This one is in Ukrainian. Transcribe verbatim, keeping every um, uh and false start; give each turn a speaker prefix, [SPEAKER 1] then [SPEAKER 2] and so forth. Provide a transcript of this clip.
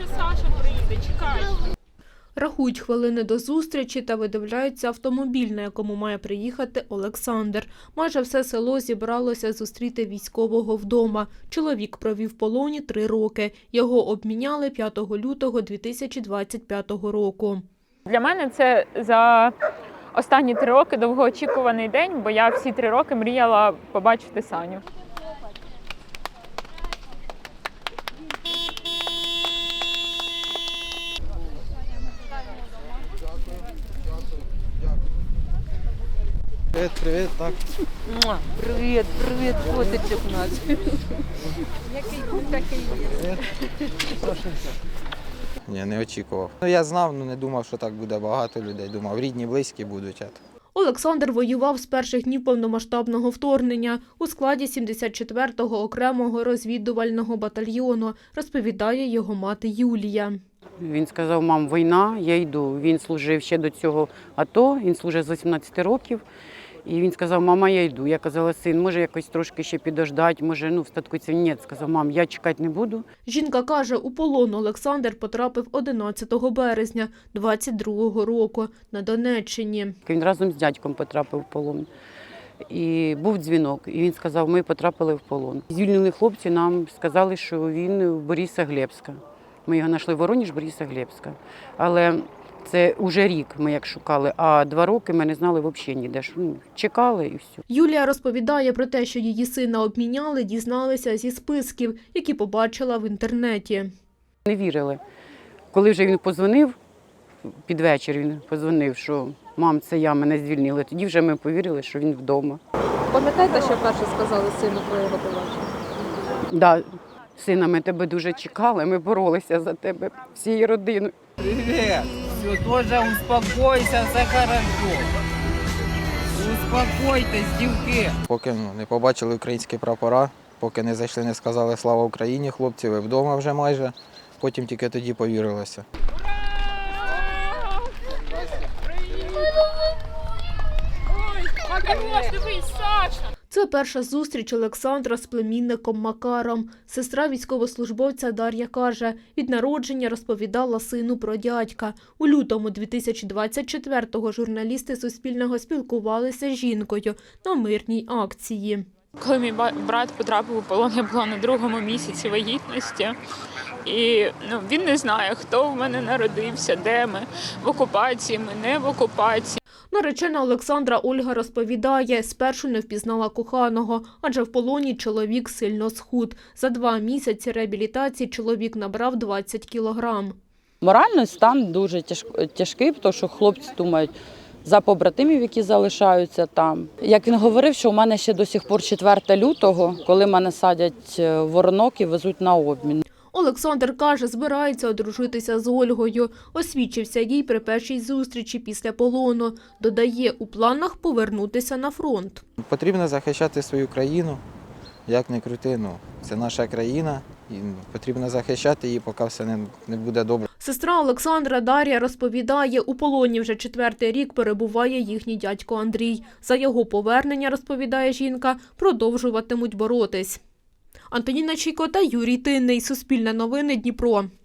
[SPEAKER 1] Саша приїде, чекай.
[SPEAKER 2] Рахують хвилини до зустрічі та видивляються автомобіль, на якому має приїхати Олександр. Майже все село зібралося зустріти військового вдома. Чоловік провів в полоні три роки. Його обміняли п'ятого лютого дві тисячі двадцять п'ятого року.
[SPEAKER 1] Для мене це за останні три роки довгоочікуваний день, бо я всі три роки мріяла побачити Саню.
[SPEAKER 3] Привіт, привіт, так.
[SPEAKER 4] Привіт, привіт, котичок у нас.
[SPEAKER 1] Який тут такий є?
[SPEAKER 3] Ні, не очікував. Ну, я знав, але не думав, що так буде багато людей. Думав, рідні, близькі будуть.
[SPEAKER 2] Олександр воював з перших днів повномасштабного вторгнення у складі сімдесят четвертого окремого розвідувального батальйону, розповідає його мати Юлія.
[SPEAKER 4] Він сказав, мам, війна, я йду. Він служив ще до цього АТО, він служив з вісімнадцяти років. І він сказав, мама, я йду. Я казала, син, може якось трошки ще підождати, може, ну, в статку. Ні, сказав, мам, я чекати не буду.
[SPEAKER 2] Жінка каже, у полон Олександр потрапив одинадцятого березня двадцять другого року на Донеччині.
[SPEAKER 4] Він разом з дядьком потрапив в полон. І був дзвінок, і він сказав, ми потрапили в полон. Звільнили хлопці, нам сказали, що він в Борисоглебська. Ми його знайшли в Воронеж, Борисоглебська. Але це вже рік ми як шукали, а два роки ми не знали взагалі ніде. Ну, чекали і все.
[SPEAKER 2] Юлія розповідає про те, що її сина обміняли, дізналися зі списків, які побачила в інтернеті.
[SPEAKER 4] Не вірили. Коли вже він подзвонив, під вечір він подзвонив, що мам, це я, мене звільнили. Тоді вже ми повірили, що він вдома.
[SPEAKER 5] Пам'ятаєте, що перше сказали сину про його побачення?
[SPEAKER 4] Да, сина, ми тебе дуже чекали, ми боролися за тебе всією родиною.
[SPEAKER 6] Привет! Все, тоже успокойся, все хорошо. Успокойтесь, дівки.
[SPEAKER 3] Поки ну, не побачили українські прапора, поки не зайшли, не сказали «Слава Україні», хлопці, ви вдома вже майже. Потім тільки тоді повірилося.
[SPEAKER 1] Ой, Макарос, дивись, Саша!
[SPEAKER 2] Це перша зустріч Олександра з племінником Макаром. Сестра військовослужбовця Дар'я каже, від народження розповідала сину про дядька. У лютому дві тисячі двадцять четвертого журналісти Суспільного спілкувалися з жінкою на мирній акції.
[SPEAKER 1] Коли мій брат потрапив у полон, я була на другому місяці вагітності. І ну, він не знає, хто в мене народився, де ми, в окупації, ми не в окупації.
[SPEAKER 2] Наречена Олександра Ольга розповідає, спершу не впізнала коханого, адже в полоні чоловік сильно схуд. За два місяці реабілітації чоловік набрав двадцять кілограм.
[SPEAKER 7] Моральний стан дуже тяжкий, тому що хлопці думають за побратимів, які залишаються там. Як він говорив, що у мене ще до сих пор четвертого лютого, коли мене садять в воронок і везуть на обмін.
[SPEAKER 2] Олександр каже, збирається одружитися з Ольгою. Освідчився їй при першій зустрічі після полону. Додає, у планах повернутися на фронт.
[SPEAKER 3] Потрібно захищати свою країну, як не крути, ну, це наша країна. І потрібно захищати її, поки все не, не буде добре.
[SPEAKER 2] Сестра Олександра Дар'я розповідає, у полоні вже четвертий рік перебуває їхній дядько Андрій. За його повернення, розповідає жінка, продовжуватимуть боротись. Антоніна Чійко та Юрій Тинний. Суспільне новини, Дніпро.